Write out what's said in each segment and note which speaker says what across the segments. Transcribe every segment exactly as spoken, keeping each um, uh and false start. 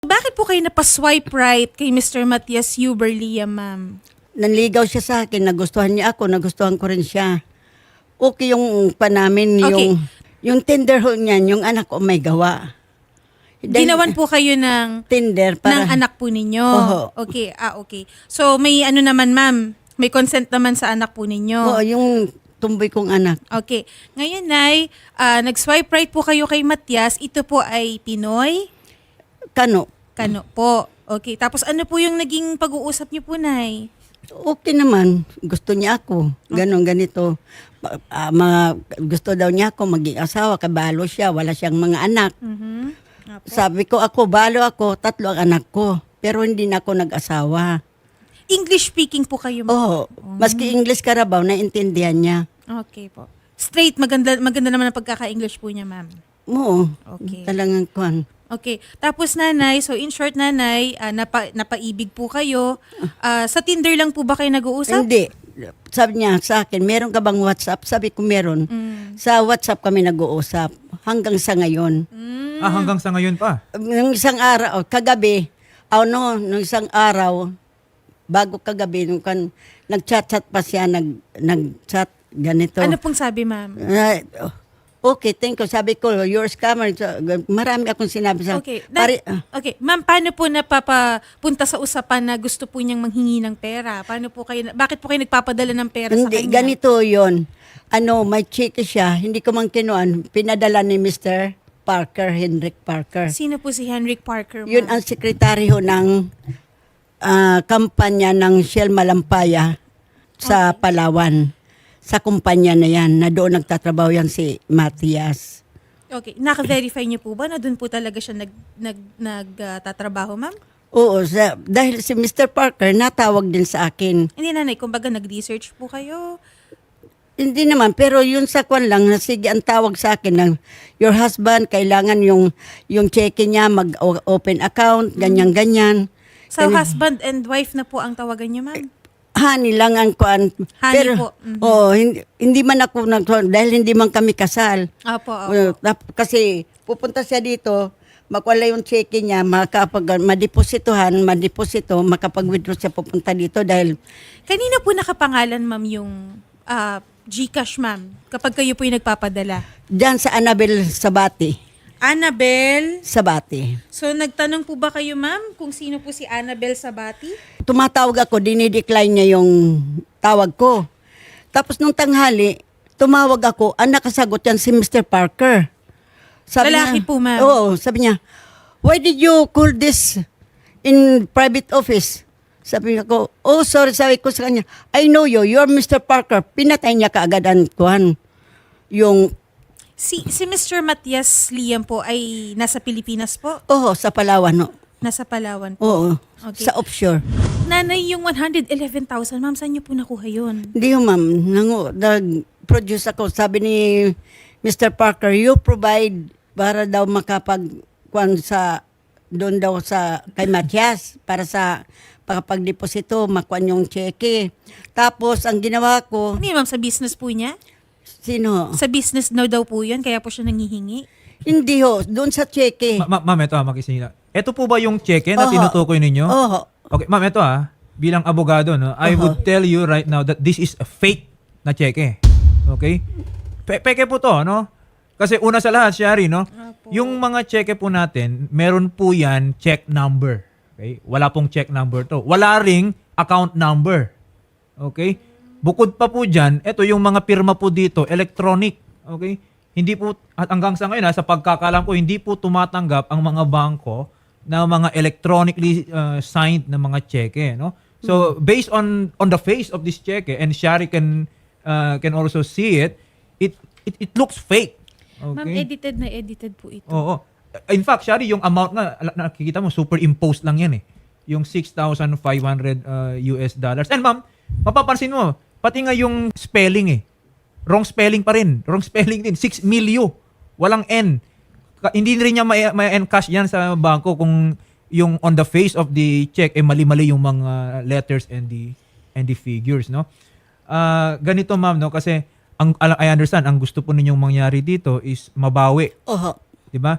Speaker 1: Bakit po kayo napaswipe right kay Mister Matias Uberlia, ma'am?
Speaker 2: Nanligaw siya sa akin, nagustuhan niya ako, nagustuhan ko rin siya. Okay yung pa namin,
Speaker 1: Okay.
Speaker 2: yung, yung Tinder ho niyan, yung anak ko may gawa. Dahil-
Speaker 1: Ginawan po kayo ng,
Speaker 2: Tinder para...
Speaker 1: ng anak po ninyo.
Speaker 2: Oho.
Speaker 1: Okay, ah okay. So may ano naman, ma'am, may consent naman sa anak po ninyo.
Speaker 2: Oo, yung tumboy kong anak.
Speaker 1: Okay. Ngayon, Nay, ah, nag-swipe right po kayo kay Matias. Ito po ay Pinoy?
Speaker 2: Kano?
Speaker 1: Kano po? Okay. Tapos ano po yung naging pag-uusap niyo po, Nay?
Speaker 2: Okay naman. Gusto niya ako. Ganon, ganito. Ma- ah, mga, gusto daw niya ako maging asawa. Kabalo siya. Wala siyang mga anak.
Speaker 1: Mhm. Apo.
Speaker 2: Sabi ko, ako, balo ako. Tatlo ang anak ko. Pero hindi na ako nag-asawa.
Speaker 1: English speaking po kayo, ma'am?
Speaker 2: Oo. Maski English Karabaw, naintindihan niya.
Speaker 1: Okay po. Straight, maganda maganda naman ang pagkaka-English po niya, ma'am.
Speaker 2: Oo.
Speaker 1: Okay.
Speaker 2: Talagang kwan.
Speaker 1: Okay. Tapos, nanay, so in short, nanay, ah, napa, napaibig po kayo. Ah, sa Tinder lang po ba kayo nag-uusap?
Speaker 2: Hindi. Sabi niya sa akin, meron ka bang WhatsApp? Sabi ko, meron.
Speaker 1: Mm.
Speaker 2: Sa WhatsApp kami nag-uusap hanggang sa ngayon.
Speaker 1: Mm.
Speaker 2: Hmm.
Speaker 3: Ah, hanggang sa ngayon pa.
Speaker 2: Nung isang araw, kagabi, oh no, nung isang araw, bago kagabi, nung kan, nag-chat-chat pa siya, nag, nag-chat, ganito.
Speaker 1: Ano pong sabi, ma'am?
Speaker 2: Ah, okay, thank you. Sabi ko, your scammer. So, marami akong sinabi sa...
Speaker 1: Okay. Na-
Speaker 2: Pare, ah,
Speaker 1: okay. Ma'am, paano po napapapunta sa usapan na gusto po niyang manghingi ng pera? Paano po kayo, bakit po kayo nagpapadala ng pera sa
Speaker 2: hindi,
Speaker 1: kanya?
Speaker 2: ganito yon. Ano, may cheque siya. Hindi ko man kinuan. Pinadala ni Mister Parker, Henrik Parker.
Speaker 1: Sino po si Henrik Parker, ma'am?
Speaker 2: Yun ang sekretaryo ng ah, kampanya ng Shell Malampaya sa Palawan. Sa kumpanya na yan, na doon nagtatrabaho yan si Matias.
Speaker 1: Okay. Naka-verify niyo po ba na doon po talaga siya nag, nag, nagtatrabaho, ma'am?
Speaker 2: Oo, sa, dahil si Mister Parker natawag din sa akin.
Speaker 1: Hindi, nanay. Kumbaga, nag-research po kayo.
Speaker 2: Hindi naman, pero yun sa kwan lang, na sige, ang tawag sa akin ng your husband, kailangan yung, yung cheque niya, mag-open account, ganyan-ganyan.
Speaker 1: So,
Speaker 2: Ganyan.
Speaker 1: husband and wife na po ang tawagan niyo, ma'am?
Speaker 2: Honey lang ang kwan.
Speaker 1: Honey
Speaker 2: pero,
Speaker 1: po, mhm.
Speaker 2: oo, hindi, hindi man ako, nag, dahil hindi man kami kasal.
Speaker 1: Opo, opo.
Speaker 2: Well, tap- kasi pupunta siya dito, makuha yung cheque niya, makapag, madepositohan, madeposito, makapag-withdraw siya pupunta dito dahil
Speaker 1: Kanina po nakapangalan, ma'am, yung ah, Gcash, ma'am, kapag kayo po yung nagpapadala.
Speaker 2: dyan sa Annabel Sabati.
Speaker 1: Annabel.
Speaker 2: Sabati.
Speaker 1: So, nagtanong po ba kayo, ma'am, kung sino po si Annabel Sabati?
Speaker 2: Tumatawag ako, dinidecline niya yung tawag ko. Tapos nung tanghali, tumawag ako, ang nakasagot yan si Mister Parker.
Speaker 1: Lalaki po, ma'am.
Speaker 2: Oo, sabi niya, why did you call this in private office? Sabi ko, oh sorry, sabi ko sa kanya, I know you, you're Mister Parker. Pinatay niya kaagad ang kuhan. Yung,
Speaker 1: Si, si Mister Matias Liam po ay nasa Pilipinas po?
Speaker 2: oh, sa Palawan, no?
Speaker 1: Nasa Palawan po?
Speaker 2: Oo,
Speaker 1: Okay.
Speaker 2: sa offshore.
Speaker 1: Nanay, yung one hundred eleven thousand, ma'am, saan niyo po nakuha yun?
Speaker 2: Hindi ho, ma'am. Nangu, nag-produce ako. Sabi ni Mister Parker, you provide para daw makapag kuwan sa doon daw sa kay Matias para sa makapag-deposito, makuha yung cheque. Tapos ang ginawa ko,
Speaker 1: Ano yun, ma'am, sa business po niya?
Speaker 2: sino?
Speaker 1: Sa business no daw po yun, kaya po siya nangihingi?
Speaker 2: Hindi ho, doon sa cheque.
Speaker 3: Ma- ma- ma'am, ito ah, makisingila. Ito po ba yung cheque na
Speaker 2: Oho.
Speaker 3: tinutukoy ninyo?
Speaker 2: Oo.
Speaker 3: Okay, ma'am, ito ah, bilang abogado, no, I
Speaker 2: Oho.
Speaker 3: would tell you right now that this is a fake na cheque. Okay? Pe- peke po to, no? Kasi una sa lahat, Shari, no?
Speaker 1: Opo.
Speaker 3: Yung mga cheque po natin, meron po yan check number. Okay? Wala pong check number to. Wala ring account number. Okay? Bukod pa po dyan, ito yung mga pirma po dito, electronic. Okay? Hindi po, at hanggang sa ngayon, ha, sa pagkakalam ko, hindi po tumatanggap ang mga bangko na mga electronically uh, signed na mga cheque. No? So, based on on the face of this cheque, and Shari can uh, can also see it, it it, it looks fake.
Speaker 1: Ma'am,
Speaker 3: Okay?
Speaker 1: edited na edited po ito.
Speaker 3: Oo. In fact, Shari, yung amount nga, ala- nakikita mo, superimposed lang yan eh. Yung six thousand five hundred uh, U S dollars. And ma'am, mapapansin mo, pati nga yung spelling eh. Wrong spelling pa rin. Wrong spelling din. six milyo. Walang N. Ka- hindi rin niya may, may encash yan sa bangko kung yung on the face of the check eh mali-mali yung mga letters and the and the figures, no? Ah, ganito ma'am, no, kasi ang I understand ang gusto po ninyong mangyari dito is mabawi,
Speaker 2: Oho.
Speaker 3: 'di ba?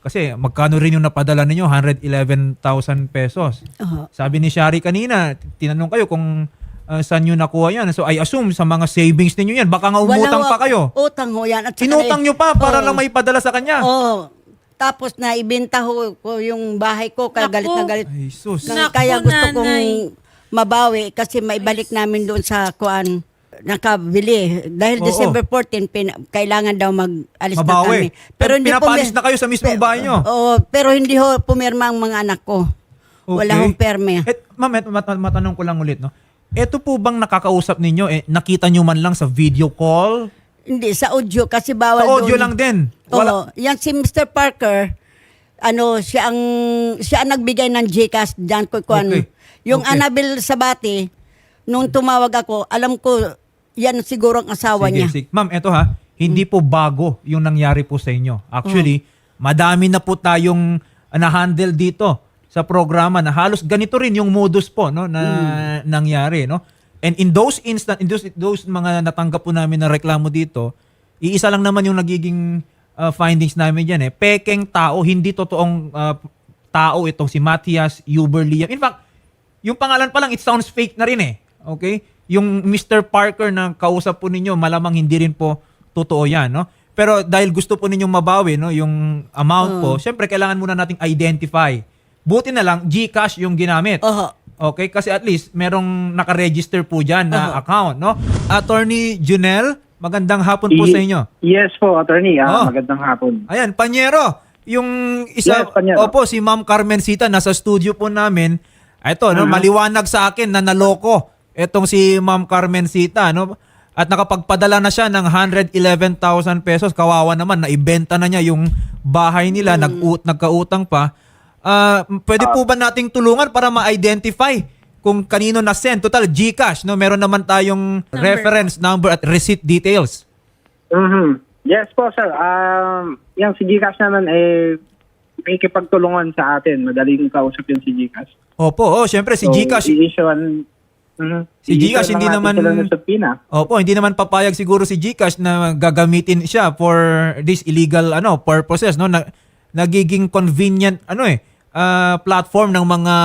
Speaker 3: Kasi magkano rin yung napadala ninyo? one hundred eleven thousand pesos.
Speaker 2: Oo.
Speaker 3: Sabi ni Shari kanina, tinanong kayo kung uh, saan nyo nakuha yan. So I assume sa mga savings ninyo yan. Baka nga umutang
Speaker 2: Wala
Speaker 3: pa kayo.
Speaker 2: Utang ho yan. At saka
Speaker 3: Inutang
Speaker 2: na-
Speaker 3: nyo pa para
Speaker 2: Oo.
Speaker 3: lang may padala sa kanya.
Speaker 2: Oo. Tapos na ibenta ho ko yung bahay ko. Kaya
Speaker 1: Naku.
Speaker 2: galit na galit.
Speaker 3: Ay, sus.
Speaker 2: Na-
Speaker 1: Naku,
Speaker 2: kaya gusto kong
Speaker 1: nanay.
Speaker 2: mabawi kasi maibalik namin doon sa kuan nakabili. Dahil
Speaker 3: Oo.
Speaker 2: December fourteenth, pin, kailangan daw mag-alis na
Speaker 3: Mabawi.
Speaker 2: kami. Pero hindi
Speaker 3: Pinapaalis
Speaker 2: pumi-
Speaker 3: na kayo sa mismong
Speaker 2: Pe-
Speaker 3: bahay nyo.
Speaker 2: Oo, pero hindi ho pumirma ang mga anak ko. Wala hong perme.
Speaker 3: Et, ma'am, et, mat- matanong ko lang ulit, no? Ito po bang nakakausap ninyo, eh, nakita nyo man lang sa video call?
Speaker 2: Hindi, sa audio kasi bawal
Speaker 3: Sa audio
Speaker 2: doon.
Speaker 3: lang din?
Speaker 2: Oo,
Speaker 3: Wala,
Speaker 2: yan si mister Parker, ano, siya ang siya ang nagbigay ng GCash diyan ko kuan.
Speaker 3: Okay.
Speaker 2: Yung
Speaker 3: Okay.
Speaker 2: Annabel Sabati, nung tumawag ako, alam ko yan siguro ang asawa
Speaker 3: sige,
Speaker 2: niya.
Speaker 3: sige. Ma'am, eto ha, hindi po bago yung nangyari po sa inyo. Actually, madami na po tayong uh, na-handle dito sa programa na halos ganito rin yung modus po no na nangyari, no? And in those instant in those, those mga natanggap po namin na reklamo dito, iisa lang naman yung nagiging uh, findings namin diyan eh. Pekeng tao, hindi totoong uh, tao itong si Matthias Uber Liam. In fact, yung pangalan pa lang, it sounds fake na rin eh. Okay? Yung mister Parker na kausap po ninyo, malamang hindi rin po totoo yan, no? Pero dahil gusto po ninyong mabawi, no, yung amount po, syempre kailangan muna nating identify. Buti na lang, GCash yung ginamit.
Speaker 2: Oho.
Speaker 3: Okay? Kasi at least, merong nakaregister po dyan na
Speaker 2: Oho.
Speaker 3: account, no? Attorney Junel, magandang hapon po sa inyo.
Speaker 4: Yes po, attorney.
Speaker 3: Oh.
Speaker 4: Ah, Magandang hapon.
Speaker 3: Ayan, Panyero, yung isa,
Speaker 4: Yes, Panyero.
Speaker 3: opo, si Ma'am Carmencita, nasa studio po namin. Ito, no,
Speaker 4: Mhm.
Speaker 3: maliwanag sa akin na naloko itong si Ma'am Carmencita, no? At nakapagpadala na siya ng one hundred eleven thousand pesos. Kawawa naman, naibenta na niya yung bahay nila, nag nagkautang pa. Ah, pwede po ba nating tulungan para ma-identify kung kanino na-send? Total, GCash, no? Meron naman tayong
Speaker 1: Number.
Speaker 3: reference number at receipt details.
Speaker 4: Mhm. Yes po, sir. Um, yung si GCash naman, eh, may kipagtulungan sa atin. Madaling kausap yung si GCash.
Speaker 3: Opo, oh, syempre si GCash.
Speaker 4: i-issuean, mhm.
Speaker 3: Si
Speaker 4: I-issue
Speaker 3: GCash hindi
Speaker 4: lang
Speaker 3: naman-
Speaker 4: natin sila ng subpoena.
Speaker 3: Opo, hindi naman papayag siguro si GCash na gagamitin siya for this illegal ano purposes, no? Na, nagiging convenient ano eh ah, platform ng mga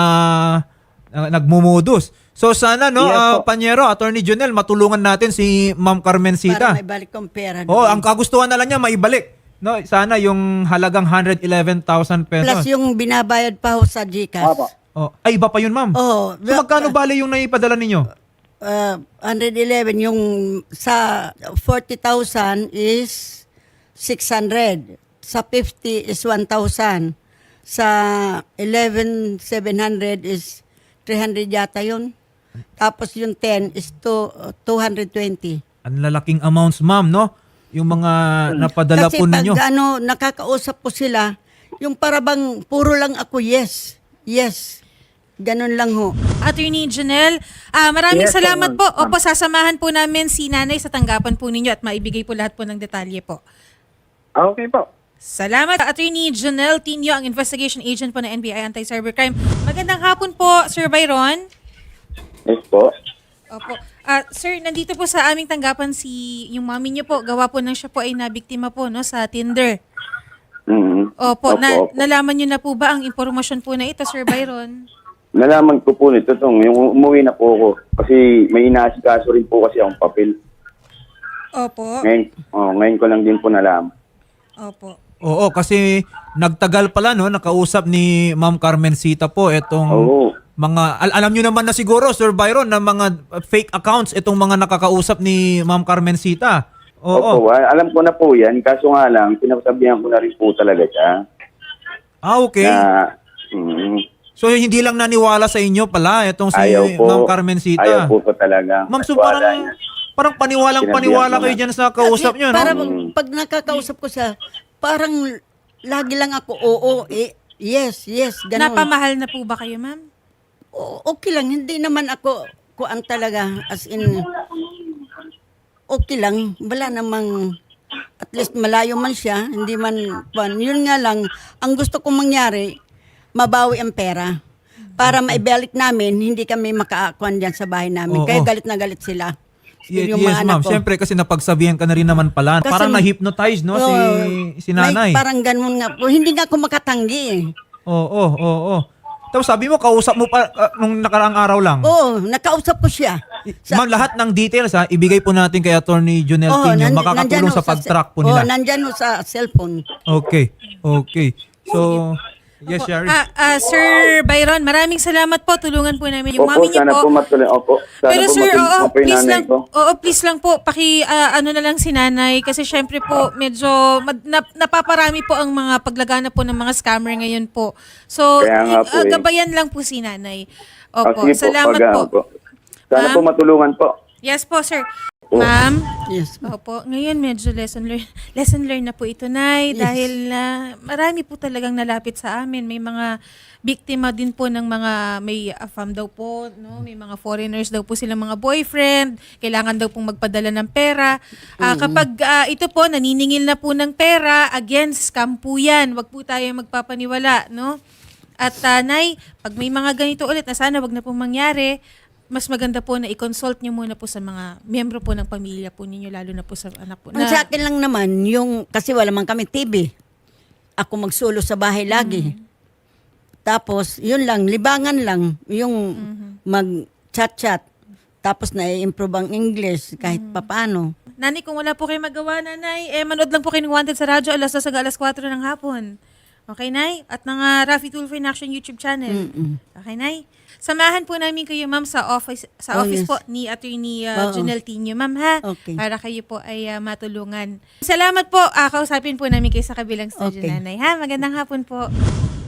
Speaker 3: ah, nagmumudus. So sana no,
Speaker 4: Yes
Speaker 3: ah,
Speaker 4: po.
Speaker 3: Panyero, Attorney Junel, matulungan natin si Ma'am Carmencita.
Speaker 2: Para maibalik kong pera.
Speaker 3: Oh,
Speaker 2: doon.
Speaker 3: ang kagustuhan na lang niya maibalik. No, sana yung halagang one hundred eleven thousand
Speaker 2: Plus
Speaker 3: pesos.
Speaker 2: yung binabayad pa ho sa GCash.
Speaker 4: Opo.
Speaker 3: Oh, ay iba pa yun, Ma'am.
Speaker 2: Oo.
Speaker 3: So magkano bale yung naipadala ninyo?
Speaker 2: Uh, one hundred eleven, yung sa forty thousand is six hundred. Sa fifty is one thousand. Sa eleven seven hundred is three hundred yata yun. Tapos yung ten is to, two hundred twenty.
Speaker 3: Ang lalaking amounts, Ma'am, no? Yung mga napadala
Speaker 2: Kasi
Speaker 3: po
Speaker 2: pag
Speaker 3: ninyo.
Speaker 2: ano, nakakausap po sila, yung parabang puro lang ako yes. Yes. Ganun lang ho.
Speaker 1: Attorney Janelle, ah, maraming
Speaker 4: Yes,
Speaker 1: salamat
Speaker 4: ma'am.
Speaker 1: po. Opo, sasamahan po namin si nanay sa tanggapan po ninyo at maibigay po lahat po ng detalye po.
Speaker 4: Okay po.
Speaker 1: Salamat. Attorney Janelle Tinio, ang investigation agent po ng N B I Anti-Cybercrime. Magandang hapon po, Sir Byron.
Speaker 5: Yes po.
Speaker 1: Opo. Ah, sir, nandito po sa aming tanggapan si yung mami niyo po. Gawa po nang siya po ay nabiktima po no sa Tinder.
Speaker 5: Mm-hmm.
Speaker 1: Opo, na,
Speaker 5: opo.
Speaker 1: nalaman niyo na po ba ang impormasyon po na ito, Sir Byron?
Speaker 5: Nalaman ko po nito tong yung umuwi na po ako kasi may inaasikaso rin po kasi akong papel.
Speaker 1: Opo.
Speaker 5: Ngayon, oh, ngayon ko lang din po nalaman.
Speaker 1: Opo.
Speaker 3: Oo, kasi nagtagal pala no, nakausap ni Ma'am Carmencita po itong
Speaker 5: Oo.
Speaker 3: mga al- alam niyo naman na siguro Sir Byron na mga uh, fake accounts itong mga nakakausap ni Ma'am Carmencita. Oo.
Speaker 5: Opo, al- alam ko na po yan. Kaso nga lang, pinasabihan ko na rin po talaga siya.
Speaker 3: Ah, okay.
Speaker 5: Na, mm,
Speaker 3: So hindi lang naniwala sa inyo pala itong si
Speaker 5: ayaw po.
Speaker 3: Ma'am Carmencita.
Speaker 5: Ayaw po po talaga.
Speaker 3: Ma'am, so
Speaker 5: Maniwala
Speaker 3: parang
Speaker 5: niya.
Speaker 3: parang paniwalang
Speaker 5: Sinabihan
Speaker 3: paniwala
Speaker 5: ko
Speaker 3: kayo
Speaker 5: na.
Speaker 3: diyan sa kausap niyo, no?
Speaker 2: Para
Speaker 5: Mm.
Speaker 2: pag nakakausap ko siya, parang lagi lang ako, oo, eh, yes, yes, ganun.
Speaker 1: Napamahal na po ba kayo, ma'am?
Speaker 2: O- okay lang, hindi naman ako kuan talaga, as in, okay lang, wala namang, at least malayo man siya, hindi man, kuan. Yun nga lang, ang gusto kong mangyari, mabawi ang pera. Para maibalik namin, hindi kami makaakuan dyan sa bahay namin.
Speaker 3: Oo.
Speaker 2: Kaya galit na galit sila.
Speaker 3: Ye-
Speaker 2: yung
Speaker 3: yes,
Speaker 2: mga anak
Speaker 3: ma'am.
Speaker 2: ko.
Speaker 3: Siyempre kasi napagsabihan ka na rin naman pala.
Speaker 2: Kasi-
Speaker 3: parang na-hypnotize, no, si,
Speaker 2: Oo,
Speaker 3: si nanay.
Speaker 2: may parang ganun nga po. Hindi nga ako makatanggi eh.
Speaker 3: Oo, oo, oo. Tapos sabi mo, kausap mo pa ah, nung nakaraang araw lang.
Speaker 2: Oo, nakausap ko siya. Sa-
Speaker 3: Ma'am, lahat ng details ha, ibigay po natin kay Attorney Junel
Speaker 2: Oo,
Speaker 3: Tinio.
Speaker 2: nan- nandyan
Speaker 3: Makakatulong
Speaker 2: ho
Speaker 3: sa pag-track po
Speaker 2: Oo,
Speaker 3: nila.
Speaker 2: nandyan ho sa cellphone.
Speaker 3: Okay, okay. So, yes, Shari.
Speaker 1: Ah, ah, Sir Byron, maraming salamat po. Tulungan po namin yung
Speaker 5: Opo,
Speaker 1: mami niyo
Speaker 5: sana po
Speaker 1: po.
Speaker 5: matuloy. Opo, sana
Speaker 1: Pero
Speaker 5: po
Speaker 1: sir,
Speaker 5: matuloy
Speaker 1: oo,
Speaker 5: po yung
Speaker 1: please
Speaker 5: nanay
Speaker 1: lang,
Speaker 5: ko.
Speaker 1: oo, please lang po, paki, ah, ano na lang si nanay, kasi syempre po, medyo, mad- nap- napaparami po ang mga paglagana po ng mga scammer ngayon po. So,
Speaker 5: Kaya nga po
Speaker 1: ah,
Speaker 5: eh.
Speaker 1: gabayan lang po si nanay.
Speaker 5: Ah,
Speaker 1: Opo,
Speaker 5: sige po,
Speaker 1: salamat
Speaker 5: pag-
Speaker 1: po.
Speaker 5: opo. Sana
Speaker 1: Ma'am?
Speaker 5: po matulungan po.
Speaker 1: Yes po, sir.
Speaker 5: Oh.
Speaker 1: Ma'am?
Speaker 2: Yes.
Speaker 1: Opo, ngayon medyo lesson learn lesson learn na po ito, Nay,
Speaker 2: Yes.
Speaker 1: dahil na marami po talagang nalapit sa amin. May mga biktima din po ng mga may afam daw po, no? May mga foreigners daw po silang mga boyfriend, kailangan daw pong magpadala ng pera. Ah, kapag ah, ito po naniningil na po ng pera, again scam po 'yan. Wag po tayo magpapaniwala, no? At uh, Nay, pag may mga ganito ulit na sana wag na pong mangyari, mas maganda po na i-consult nyo muna po sa mga miyembro po ng pamilya po ninyo, lalo na po sa anak po.
Speaker 2: Ang sa akin lang naman, yung, kasi wala man kami T V. Ako magsulo sa bahay lagi. Tapos, yun lang, libangan lang. Yung mag-chat-chat. Tapos na-improve ang English kahit papano.
Speaker 1: Nani, kung wala po kayo magawa, Nanay, eh, manood lang po kayo ng Wanted sa radyo alas dos hanggang alas kwatro ng hapon. Okay, Nay? At ng uh, Rafi Tulfo in Action YouTube channel. Okay, Nay? Samahan po namin kayo, ma'am, sa office sa
Speaker 2: Oh,
Speaker 1: office
Speaker 2: yes.
Speaker 1: po ni Attorney uh,
Speaker 2: Oo.
Speaker 1: Junel Tinio, ma'am, ha?
Speaker 2: Okay.
Speaker 1: Para kayo po ay uh, matulungan. Salamat po. Uh, kausapin po namin kayo sa kabilang studio,
Speaker 2: Okay.
Speaker 1: Nanay, ha? Magandang hapon po.